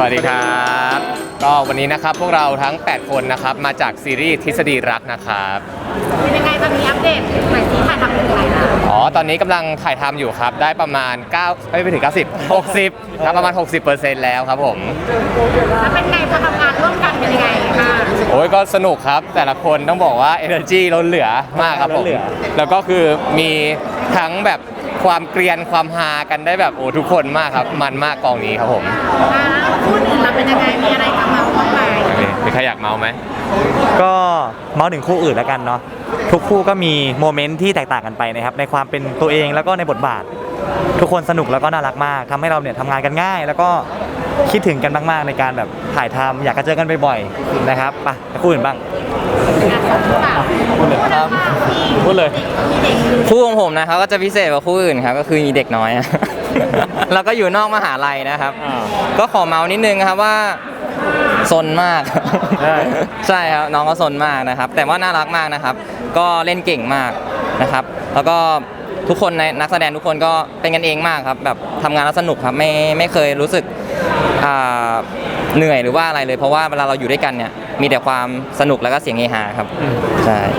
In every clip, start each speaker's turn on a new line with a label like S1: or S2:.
S1: วัสดีครับก็วันนี้นะครับพวกเราทั้ง8คนนะครับมาจากซีรีส์ทฤษฎีรักนะครับ
S2: เป็นยังไงตอนนี้อัปเดตหน่อยสิถ่ายทำถึงไหนแล้ว
S1: ตอนนี้กำลังถ่ายทำอยู่ครับได้ประมาณ9ไม่ถึง90 60ครับประมาณ 60% แล้วครับผม
S2: แล้วเป็นไงพอทำงานร่วมกันเป็นยังไงคะ
S1: โอ้ยก็สนุกครับแต่ละคนต้องบอกว่า energy ล้นเหลือมากครับผมแล้วก็คือมีทั้งแบบความเกรียนความฮากันได้แบบโอ้ทุกคนมากครับมันมากกองนี้ครับผม
S2: พูดอื่นเราเป็นยังไงมีอะไรทำมาบ้างไหม
S1: มีใครอยากเมาไหม
S3: ก็เมาถึงคู่อื่นแล้วกันเนาะทุกคู่ก็มีโมเมนต์ที่แตกต่างกันไปนะครับในความเป็นตัวเองแล้วก็ในบทบาททุกคนสนุกแล้วก็น่ารักมากทำให้เราเนี่ยทำงานกันง่ายแล้วก็คิดถึงกันมากๆในการแบบถ่ายทำอยากจะเจอกันบ่อยๆนะครับไปคู่อื่นบ้าง
S1: ครับพูดเลย
S4: คู่ของผมนะครับก็จะพิเศษกว่าคู่อื่นครับก็คือมีเด็กน้อย แล้วก็อยู่นอกมหาลัยนะครับก็ขอเมาส์นิดนึงครับว่าซนมากใช่ครับน้องก็ซนมากนะครับแต่ว่าน่ารักมากนะครับก็เล่นเก่งมากนะครับแล้วก็ทุกคนในนักแสดงทุกคนก็เป็นกันเองมากครับแบบทำงานแล้วสนุกครับไม่เคยรู้สึกเหนื่อยหรือว่าอะไรเลยเพราะว่าเวลาเราอยู่ด้วยกันเนี่ยมีแต่ความสนุกแล้วก็เสียงเฮฮาครับใช่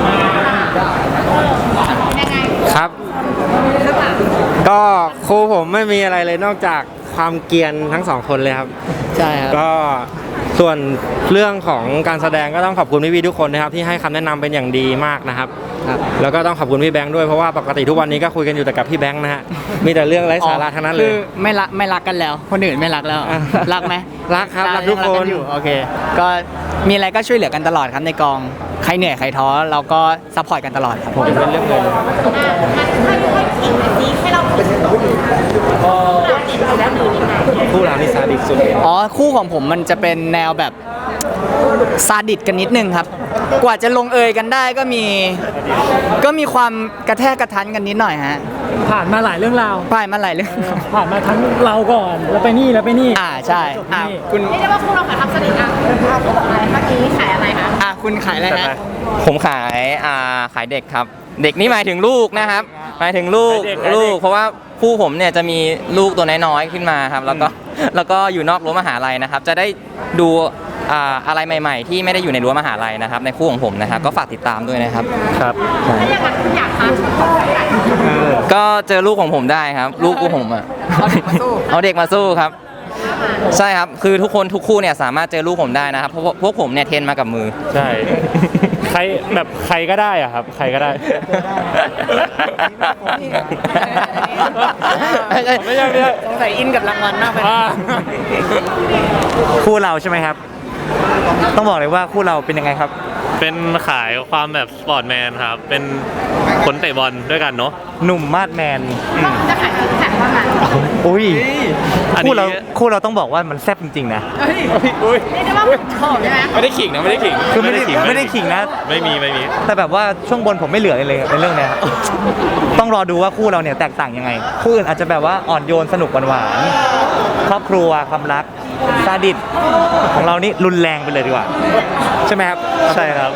S5: ครับก็ครูผมไม่มีอะไรเลยนอกจากความเกรียนทั้งสองคนเลยครับ
S3: ใช่ครับ
S5: ก็ส่วนเรื่องของการแสดงก็ต้องขอบคุณพี่ๆทุกคนนะครับที่ให้คำแนะนำเป็นอย่างดีมากนะครับแล้วก็ต้องขอบคุณพี่แบงค์ด้วยเพราะว่าปกติทุกวันนี้ก็คุยกันอยู่แต่กับพี่แบงค์นะฮะมีแต่เรื่องไร้สาระทั้งนั้นเลย
S3: คือไม่รักกันแล้วคนอื่นไม่รักแล้วรักไหม
S5: รักครับรักทุกคน
S3: โอเคก็มีอะไรก็ช่วยเหลือกันตลอดครับในกองใครเหนื่อยใครท้อเราก็ซัพพอร์ตกันตลอดครับผม
S5: เป็นเรื่องเลย
S2: ให้เราผิด
S5: คู่เรานี่ซาดิสสุด
S3: คู่ของผมมันจะเป็นแนวแบบซาดิสกันนิดนึงครับกว่าจะลงเอยกันได้ก็มีความกระแทกกระทันกันนิดหน่อยฮะ
S6: ผ่านมาหลายเรื่องราว
S3: ผ่านมาหลายเรื่อง
S6: ผ่านมาทั้งเราก่อนแล้วไปนี่
S3: ใช่
S2: คุณเรียกได้ว่าคุณเราขายทำสนิทอ่ะเมื่อกี้ขายอะไรคะ
S3: คุณขายอะไรฮะ
S4: ผมขายเด็กครับเด็กนี่หมายถึงลูกนะครับหมายถึงลูกเพราะว่าคู่ผมเนี่ยจะมีลูกตัวน้อยๆขึ้นมาครับแล้วก็อยู่นอกรั้วมหาลัยนะครับจะได้ดูอะไรใหม่ๆที่ไม่ได้อยู่ในรั้วมหาลัยนะครับในคู่ของผมนะครับก็ฝากติดตามด้วยนะครับ
S5: ครับ
S2: ถ้าอย่างนั้นคุณอยากทาน
S4: ก็เจอลูกของผมได้ครับลูกผมเอาเด็กมาสู้ครับใช่ครับคือทุกคู่เนี่ยสามารถเจอลูกผมได้นะครับเพราะพวกผมเนี่ยเทรนมากับมือ
S5: ใช่ใครก็ได้อะครับใครก็ได้
S3: ไม่ใช่สงสัยอินกับรางวัลมากไปคู่เราใช่ไหมครับต้องบอกเลยว่าคู่เราเป็นยังไงครับ
S7: เป็นขายความแบบสปอร์ตแมนครับเป็นคนเตะบอลด้วยกันเนาะ
S3: หนุ่มมาดแมน
S2: จะขายซิกแพคว่าไง
S3: อุ้ยคู่เราต้องบอกว่ามันแซ่บจริงๆนะ
S2: เรียกได้ว่าขอบใช่ไหม
S1: ไม่ได้ขิงนะไม่ได้ขิง
S3: คือไม่ได้ขิงนะ
S7: ไม่มี
S3: แต่แบบว่าช่วงบนผมไม่เหลือเลยในเรื่องนี้ต้องรอดูว่าคู่เราเนี่ยแตกต่างยังไงคู่อื่นอาจจะแบบว่าอ่อนโยนสนุกหวานครอบครัวความรักซาดิสของเรานี่รุนแรงไปเลยดีกว่าใช่ไหมครับ
S7: ใช่ครับ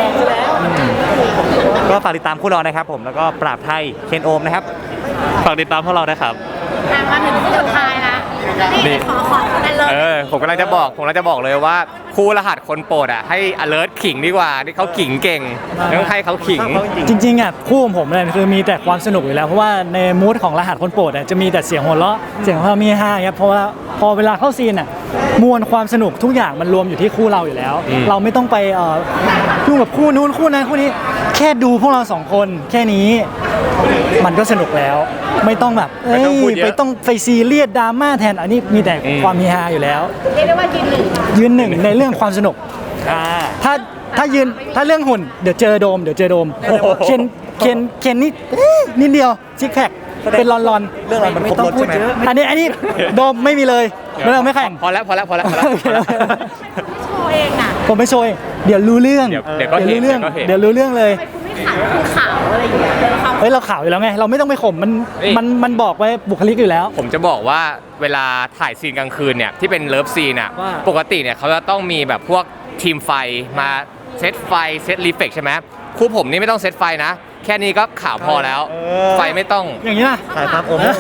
S3: ก็ฝากติดตามคู่เรานะครับผมแล้วก็ปราบไทยเคนโอมนะครับ
S7: ฝากติดตามพวกเรานะครับ
S2: มาถึงคู่สุดท้ายนะนี่ขอกันเลย
S1: ผมกำลังจะบอกเลยว่าคู่รหัสคนโปรดให้ alert ขิงดีกว่าที่เขาขิงเก่งต้องให้เขาขิง
S6: จริงๆคู่ของผมเนี่ยคือมีแต่ความสนุกอยู่แล้วเพราะว่าในมูดของรหัสคนโปรดจะมีแต่เสียงหัวเราะเสียงความมีฮาครับเพราะว่าพอเวลาเข้าซีนมวลความสนุกทุกอย่างมันรวมอยู่ที่คู่เราอยู่แล้วเราไม่ต้องไปยุ่งกับคู่นู้นคู่นั้นคู่นี้แค่ดูพวกเรา2คนแค่นี้มันก็สนุกแล้วไม่ต้องแบบไปต้องไปซีเรียสดราม่าแทนอันนี้มีแต่ความมีฮาอยู่แล้ว
S2: เรียกได้ว่า
S6: ยืนหนึ่งในเรื่องความสนุกถ้าเรื่องหุ่นเดี๋ยวเจอโดมเคนนี่นิดเดียวซิกแพคเป็นลอน
S3: เรื่องอะไรมันไม่ต้องพูดเยอะ
S6: อันนี้โดมไม่มีเลยไม่แข่ง
S1: พอแล้ว
S2: โชว์เองน่ะ
S6: ผมไม่โชว์เดี๋ยวรู้เรื่องเดี๋ยวรู้เรื่องเลย
S2: คุณขาวอะไรอย่างเงี้ย
S6: เราขาวอยู่แล้วไงเราไม่ต้องไปข่มมันบอกไว้บุคลิกอยู่แล้ว
S1: ผมจะบอกว่าเวลาถ่ายซีนกลางคืนเนี่ยที่เป็นเลิฟซีนปกติเนี่ยเขาจะต้องมีแบบพวกทีมไฟมาเซตไฟเซตรีเฟกใช่ไหมคู่ผมนี่ไม่ต้องเซตไฟนะแค่นี้ก็ขาวพอแล้ว ไฟไม่ต้อง
S6: อย่างนี้นะ
S3: ใช่ครับโอ้โห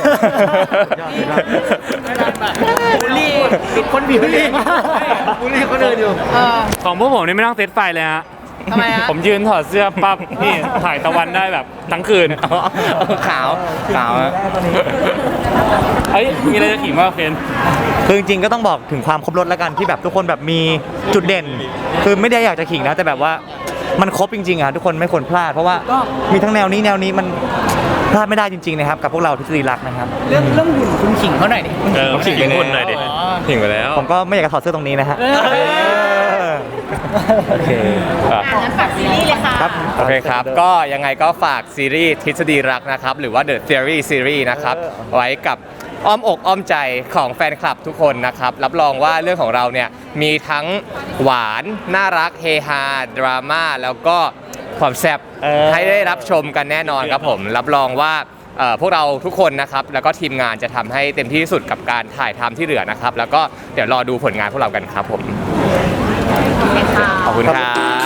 S6: บูลลี่ติดคนผิวเลยบูลลี่คนอื่นอยู่
S7: ของพวกผมนี่ไม่ต้องเซตไฟเลยฮะ
S2: ทำไมฮะ
S7: ผมยืนถอดเสื้อปั๊บนี่ถ่ายตะวันได้แบบทั้งคืน
S4: ขาวขาวอะ
S7: เอ้ยมีอะไรจะขิงว่าเคน
S3: คือจริงๆก็ต้องบอกถึงความครบรสแล้วกันที่แบบทุกคนแบบมีจุดเด่น คือไม่ได้อยากจะขิงนะแต่แบบว่ามันครบจริงๆอ่ะทุกคนไม่ควรพลาดเพราะว่ามีทั้งแนวนี้มันพลาดไม่ได้จริงๆนะครับกับพวกเราทฤษฎีรักนะครับ
S6: เรื่องหุ่นคุณขิงเขาหน่อยดิ
S7: ขิงคุณหน่อยดิขิงไปแล้ว
S3: ผมก็ไม่อยากจะถอดเสื้อตรงนี้นะฮะโอเค
S2: งั้นฝากซีรีส์เลยค่ะ
S3: ครับ
S1: โอเคครับ ก็ยังไงก็ฝากซีรีส์ทฤษฎีรักนะครับ หรือว่า The Theory Series นะครับ ไว้กับอ้อมอกอ้อมใจของแฟนคลับทุกคนนะครับ รับรองว่าเรื่องของเราเนี่ยมีทั้งหวาน น่ารัก เฮฮา ดราม่า แล้วก็ความแซ่บให้ได้รับชมกันแน่นอนครับผม รับรองว่าพวกเราทุกคนนะครับ แล้วก็ทีมงานจะทำให้เต็มที่ที่สุดกับการถ่ายทำที่เหลือนะครับ แล้วก็เดี๋ยวรอดูผลงานพวกเรากันครับผม ขอบคุณครับ